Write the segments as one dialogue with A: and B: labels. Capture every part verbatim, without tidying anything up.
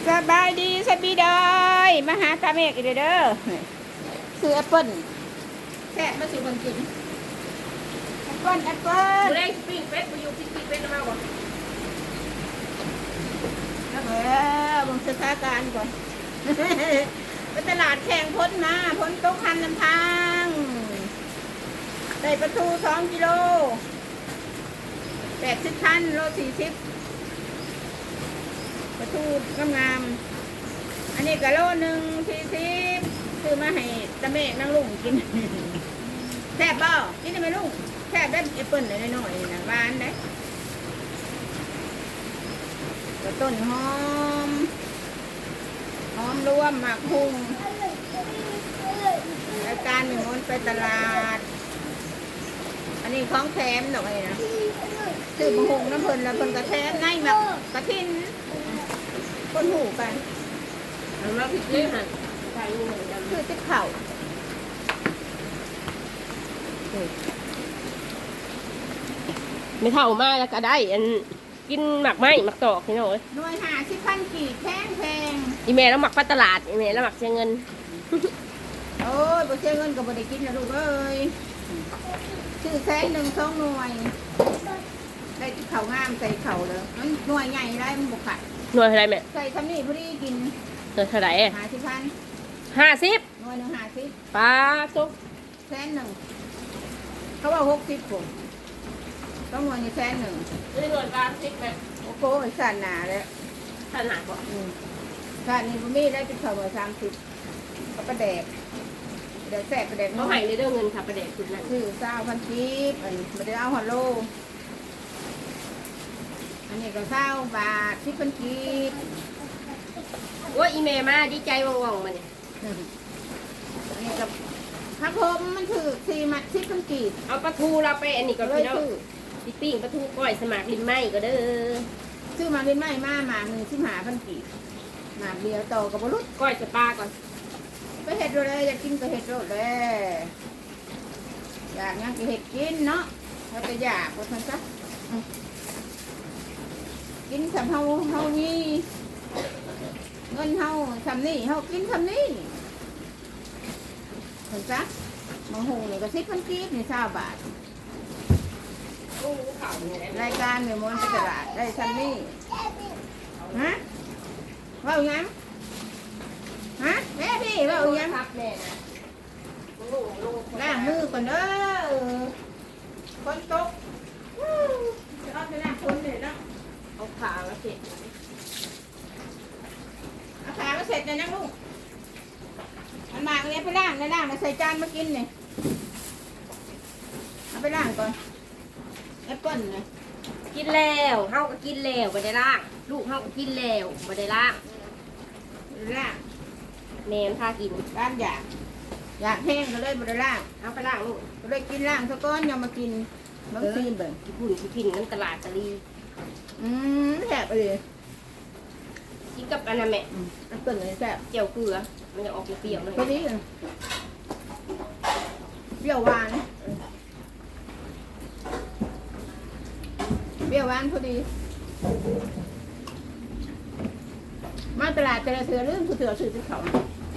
A: สบายดีสบีดอยมาหาตาเมกอีกเด้อซื้อแอปเปิ้ลแซ่บมาสู่คนกินแอปเปิ้ลแอปเปิ้ล
B: กูได้ปิ้งเป็ดกูอยู่ปิ้งเป็ดแล้วมาวะ
A: เออบังสถานการณ์ก่อนไปตลาดแข่งพ้นมาพ้นตกคันนำทางได้ประตูสองกิโลแปดสิบพันโลสี่สิบประตูงามๆอันนี้ก็โลหนึ่งสี่สิบซื้อมาให้ตะเมฆนั่งลุงกินแซ่บเปล่ากินได้ไหมลุงแซ่บได้แอปเปิ้ลหน่อยๆนะหวานได้ก็ต้นหอมหอมรวมหมากพุงรายการหนึ่งมันไปตลาดอันนี้ของแถมดอกอะไรนะซื้อมะฮงน้ำเพลินแล้วเพลินกระแทมง่ายมากกระทินคนหูกัน
B: เอาแล้วพี่เจ๊หันใส่งูเหมือนกัน
A: คือติ๊กเข่า
B: ไม่เท่ามากแล้วก็ได้อันกินหมักไหมหมักตอกนี่หน่อย
A: หน่วยหาสิบพันกี่แพงแพง
B: อีเมลแล้วหมักปลาตลาดอีเมลแล้วหมักเชียเงิน
A: โอ้ยบ่เสียเงินก็บ่ได้กินนะลูกเอ้ยซื้อแสนหนึ่งสองหน่วยได้ติ๊กเข่างามใส่เข่าเลยมันหน่วยใหญ่ได้มันบุกขัด
B: หน่วยอะไรแม่
A: ใส่ทำนี่พอดีกิน
B: หน่วยเท่าไหร่
A: หาสิบพัน
B: ห้าสิบ
A: หน่วยหนึ่งหาสิบ
B: ปลาตุ๊ก
A: แสนหนึ่งเขาว่าหกสิบผมต้องหน่วยนี่แสนหนึ่ง
B: นี่หน่วยปลาสิบแม่
A: โอ้โหสันหนาเลย
B: ขนาดบ่
A: อืมสันนี่ผมมีได้ติ๊กเข่ามาสามสิบก็ประแดกเดี๋ยวแสบประแดก
B: เขาให้เลยเด้อเงินค่ะประเด็กคุณนั่น
A: ซื้อเศร้าพันกีบอันนี้ไม่ได้เอาหัวโลอันนี้ก็เศร้าบาทสิบพันกีบ
B: ว่าอีเมลมาดีใจว่องๆมาเนี่ย
A: อันนี้กับพักผมมันถือสี่มัดสิบพันกีบ
B: เอาปลาทูเราไปอันนี้ก็
A: เล
B: พี่
A: ย
B: น้อง
A: ซื้อ
B: พี่ปิ้งปลาทูก้อยสมัครลินไหมก็เด้อ
A: ซื้อมาเป็นไม้มาหมามือสิบหาพันกีบหมาเดียวโตกับบรุษ
B: ก้อยสปลาก่อน
A: ไปเห็ดโรเลยอยากกินก็เห็ดโรเลยอยากงั้นก็เห็ดกินเนาะเขาจะอยากว่าทันซะอืมกินสำเฮาเฮานี่เงินเฮาทำนี่เฮากินทำนี่เห็นซะมังหูนี่ก็สิบพันกีบนี่เศร้าบาท
B: โอ้ข่าวเนี่ยได้
A: รายการเนี่ยมันไปตลาดได้ทำนี่ฮะว่าอย่างนั้นฮะแม่พี่ว่าอย่างนั้น
B: ครับแม่นะลงลง
A: ล้างมือก่อนเด้อคนตกวู้จะเอาไปล้างคนเลยเนาะ
B: เอาขามาเสร็จ
A: เอาขามาเสร็จเลยนะลูกมันมาเอาเนี้ยไปล้างเลยล้างมาใส่จานมากินเนี่ยเอาไปล้างก่อนแอปเปิ้ลเนี่ย
B: กินแล้วเฮาก็กินแล้วบ่ได้ล่าง ลูกเฮาก็กินแล้วบ่ได้ล่าง
A: ล้าง
B: แม่นพากิน
A: ล้างอยากอยากแห้งก็เลยบไดล้าง
B: เอาไปล่างลูก
A: ก็เลยกินล้างซะก้อนยังมากินบางทีเบิ่ง
B: ญี่ปุ่นสิกินกันตลาดตะลี
A: อืมแซ่บไปเลย
B: กินกับอันนั้นแม่
A: อืมแอปเปิ้ลเลยแซ่บ
B: เจียวเกลือมันจะออกเปรี้ยวๆหน่อย
A: พอดีเลยเปรี้ยวหวานเปรี้ยวหวานพอดี มาตลาดแต่ละเถื่อเรื่องคือเถื่อซื้อที่เขา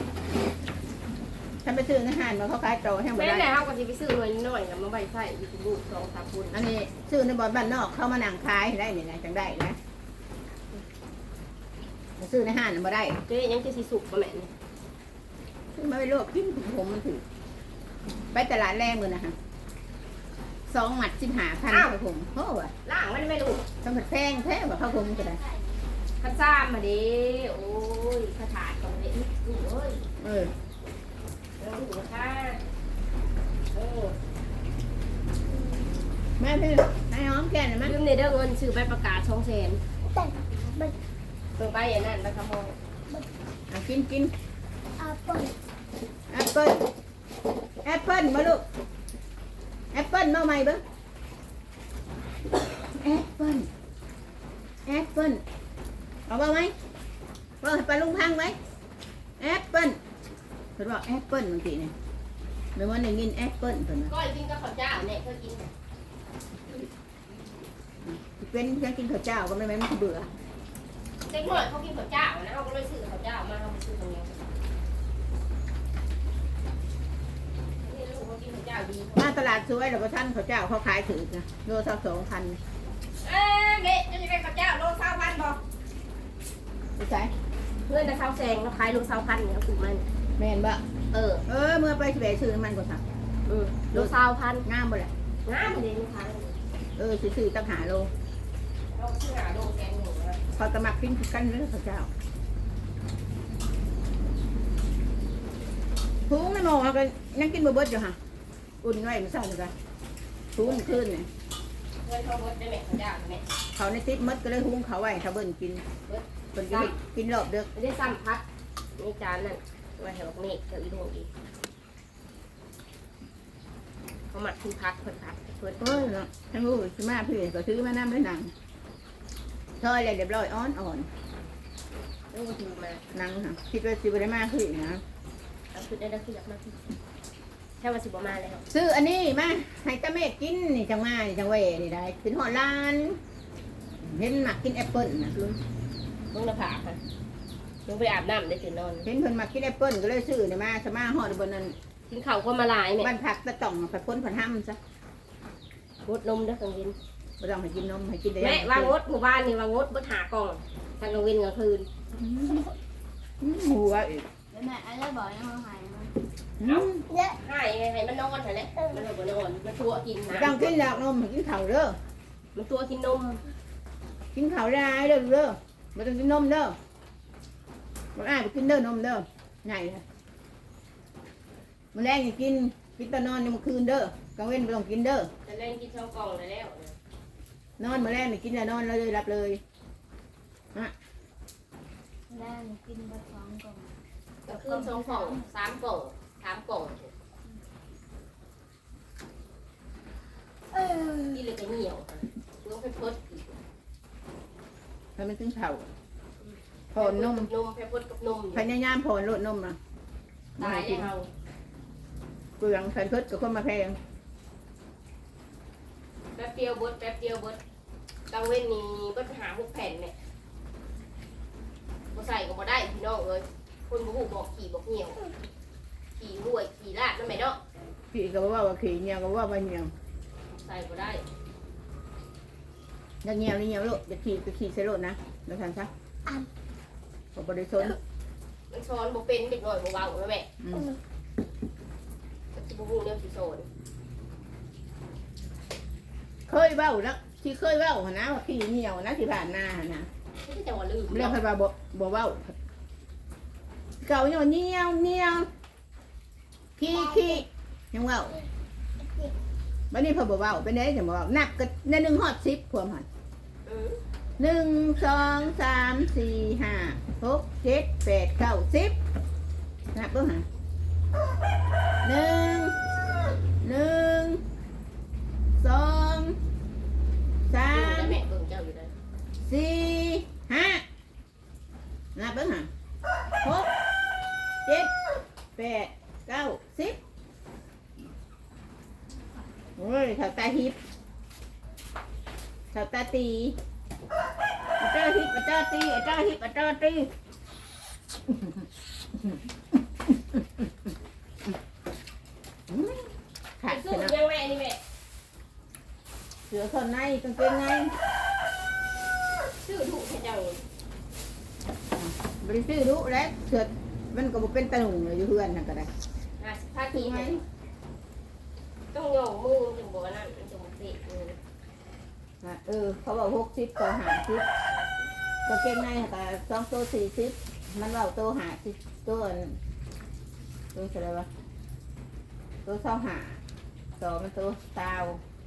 A: ฉันไปซื้อในห้างมาเขาขายโตแห้งไป
B: แม่
A: ได้
B: ไหนเฮาก็สิไปซื้อหน่อยน้อยๆกับมาใบไส้อยู่ที่ลูกสองสามคน
A: อันนี้ซื้อในบ่อนบ้านนอกเข้ามานั่งขายได้เนี่ยนะจังได้นะซื้อในห้างน่ะบ่ได้
B: เจ๊ยังจะสิสุกบ่แม่นี่
A: ซื้อมาไปลวกกินผมมันถือไปตลาดแรงมือนะฮะสองหมัดสิบห้าพันข้าวผมโอ้ว่ะ
B: ล่างมันไม่ลูก
A: สมัดแพงแท้ว่าข้าวผมก็ได้
B: ข้าซ่ามมาดิโอ้ยข้าถาดตรงนี้ลูกเอ้ย
A: เออ
B: แล้วลูกนะคะเออ
A: แม่พี่ให้หอมแก่นหน่อยมั้ย
B: ลืมในเด้อเงินซื้อใบประกาศช่องแสนเปิดไปอย่างนั้นแล้วก็มอง
A: เอากินกิน
C: แอปเปิ้ล
A: แอปเปิ้ลแอปเปิ้ลมาลูกแอปเปิ้ลมาใหม่เบิ้งแอปเปิ้ลแอปเปิ้ลเอาบ้างไหมว่าให้ไปลุงพังไหมแอปเปิ้ลเพิ่นบอกแอปเปิ้ลบางทีเนี่ยไม่ว่าได้ยินแอปเปิ้ลเพิ่นนะ
B: ก้อยกินกับข้าวเจ้าเนี่ยเคยกิน
A: เป็นฉันกินข้าวเจ้าก็ไม่แม่นมันเบื่อ
B: เด็กหน่อยเขากินข้าวเจ้านะเขาก็เลยซื้อข้าวเจ้ามาเขาไปซื้อตรงนี้นี่ลูกเขากินข้าวเจ้าดี
A: มาตลาดสวยแล้วท่านเขาเจ้าเขาขายถือนะโลสักสองพัน
B: เอ้ยเด็กจะไปข้าวเจ้าโลเศร้าพันบอก
A: ไปใช้
B: เพื่อนจะเศร้าแซงเราขายโลเศร้าพันเนี่ยเขาถูกมัน
A: แม่นบ่
B: เออ
A: เออเมื่อไปสิไปซื้อน้ำมันก็สั่ง
B: เออโลเศร้าพัน
A: งามบ่แหละ
B: น้ำเลยนะคะ
A: เออซื้อตั้งหาโล
B: เราซื้อหาโลแซงหนึ่งนะ
A: พอกระมักกินกันเด้อเขาเจ้าทุงไม่มองเขาก็ยังกินบ่เบิดอยู่ฮะอุ่นไว้มันเศร้าเลยกันทุงขึ้นเนี่ย
B: เพื่อนเขาบดได้ไหมข้าวเจ้าไหม
A: เขาในติ๊บมดก็เลยหุงเขาไว้เขาเบิ่นกินเบิ่นกินกินรอบเด้อ
B: ไม่ได้ซ้ำพัดนี่จานนั่นไว้ให้บอกนี่เดี๋ยวอีโดอีกเขาหมักคือพัดเพิ่นพัดเพิ่น
A: เออเนาะทั้งรู้สิมาพี่ก็ซื้อมาน้ำด้วยหนังซอยเลยเรียบร้อยอ่อนอ่อน
B: เรื่องถือมา
A: หนังค่ะคิดว่าสิบได้มากขึ้นนะ
B: เอาคือได้ได้คืออยากมากที่แค่ว่าสิบประมาณแล้ว
A: ซื้ออันนี้มาให้ตาเมฆกินนี่จังมานี่จังเวนี่ได้เป็นหอดลานเห็นหมักกินแอปเปิ้ลนะ
B: มึงน่ะผาค่ะมึงไปอาบน้ำได้ตื่นนอน
A: เห็นเพิ่นมากินแอปเปิ้ลก็เลยซื้อนี่มาสมาหอดบนนั้น
B: กินข้าวคนมาลายเนี่ย
A: บ้านพักตะต่องไปพ้นผันห้ำซะ
B: งดนมเด้อกลางวิน
A: ไม่ต้องให้กินนมให้กินได้
B: แม่วางงดหมู่บ้านนี่วางงดบดหากล่องทางกลางวินกลางคืน
A: หัวอีก
C: แล้วแม่อะไรบอกยังมาหายมัน
A: อืม
B: ให้ไงให้มันนอนเถอะแหละมันเลยบ่นอนมันตัวกิน
A: ไม่
B: นะ
A: ต้องกินหรอกนมให้กินข้าวเด้อ
B: มันตัวกินนม
A: กินข้าวได้เด้อเด้อไม่ต้องกินนมเด้อมันอ้ายไปกินเด้อนมเด้อไงล่ะมันแรงอย่ากินกินตอนนอนในเมื่อคืนเด้อกลางเว้นไม่ต้องกินเด้อ
B: จะเล่นกินช่องกล่องเลยแล้ว
A: นอนมาแรกนี่กินแล้วนอนเลยรับเลย
C: แม่กินไปสองกล่อง
B: กลางคืนช่องกล่องสามกล่องสามกล่อง
C: เออ
B: กินเลยก็เหนียวน้องเพชรพด
A: ให้มันถึงเข่าพอนนม
B: นมเพชรพดกับนม
A: พยายามพอนลดนมนะ
B: ตายแล้ว
A: เกลืองใส่เพิดกับคนมาแพง
B: แป๊บเดียวบดแป๊บเดียวบดกลางเว้นนี่บดหาหกแผ่นเนี่ยบ่ใส่ก็บ่ได้พี่น้องเอ้ยคนบ่ฮู้บอกขี่บอกเหนียวขี่รวยขี่ลาดนั่นแม่เนาะ
A: ขี่ก็บอกว่าว่าขี่เงียวก็บอกว่าว่าเงียว
B: ใส่บ่ได้
A: อย่าเงียวนี่เงียวลูกอย่าขี่ก็ขี่ใส่รถนะแล้วทันซะผมบริสุทธิ์
B: มันช้อนบ่เป็นเด็กน้อยบ่เว้าแม่
A: อืม
B: สิบ่ฮู้แนวสิสอน
A: เคยเบ้านะที่เคยเบ้าหนนะว่าขี่เงียวนะที่ผ่านหน้าหั่นนะ
B: ที่จะว่าลืม
A: เรื่องใครว่าบ่บ่เบ้าเก่าเนี่ยเงียวเงียวขี่ขี่ยังเบ้าวันนี้พอบ่เบ้าเป็นไงจะบ่เบ้านับกันในหนึ่งฮอดสิบพวมหัน
B: อือ
A: หนึ่งสองสามสี่ห้าหกเจ็ดแปดเก้าสิบนับเบิ่งหาหนึ่งหนึ่งสองสา
B: อยู่
A: ม
B: ได้แม่เบิ่งเจ้าอยู่ได้
A: สี่ห้านับเบิ่งหาหกเจ็ดแปดเก้าสิบโอ้ยเท่าตาฮิปเท่าตาตีอาเจ้าฮิปอาเจ้าตีอาเจ้าฮิปอาเจ้าตีขาด
B: ซื้
A: เส
B: อ
A: ร็จ
B: ยังแม่นี่แม่
A: เสือคนในกางเกงใน
B: ซื้อถูกให้เจ้า
A: บริสุทธิ์รู้แล้วเสือมันก็บ่เป็นตะหนุ่งเลยอยู่เพื่อนนั่นก็ได้
B: ห้าสิบห้าทีไหมต้องโยงมือถึงบอกว่านั่นมันจะมาเตะมือ
A: อ่ะเออเขาบอกหกสิบต่อหาสิบกางเกงในก็สองตัวสี่สิบมันว่าตัวหาสิบตัวอันตัวอะไรวะตัวเศร้าหาสองมันตัวเตา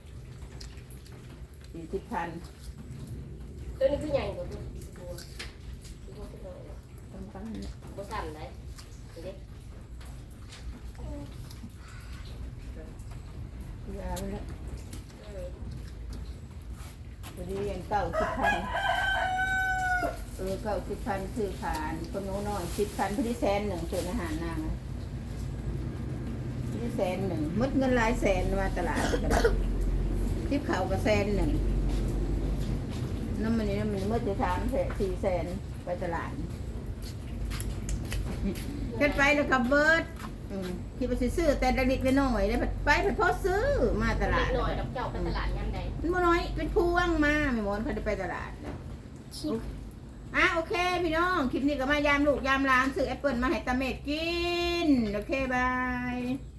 A: สี่สิบพัน
B: ตัวนี้คือใหญ่กว่าตัวตัวตัวตัว
A: ต้องตั้ง
B: บ่สั่นได้เด็ก
A: ยาวเลยพอดีเรียนเก้าสิบพันเออเก้าสิบพันคือผ่านคนโน้นน้อยสิบพันพอดีแสนหนึ่งส่วนอาหารนางนะพอดีแสนหนึ่งมดเงินหลายแสนมาตลาดก็ได้ทิปเขาก็แสนหนึ่งน้ำมันนี่น้ำมันมดจะสามแสนสี่แสนไปตลาดขึ้นไปแล้วก็เบิร์ดอืมที่ไปซื้อแต่เล็กๆน้อยๆได้ไปไปพอซื้อมาตลาด
B: หน่อยดอกเจ้าไปตลาดยามใด
A: มันบ่น้อยเป็นพวงมาไม่หมดเขาจะไปตลาดแล้ว
C: ชิบ
A: อ่ะโอเคพี่น้องคลิปนี้ก็มายามลูกยามหลานซื้อแอปเปิลมาให้ตาเมดกินโอเคบาย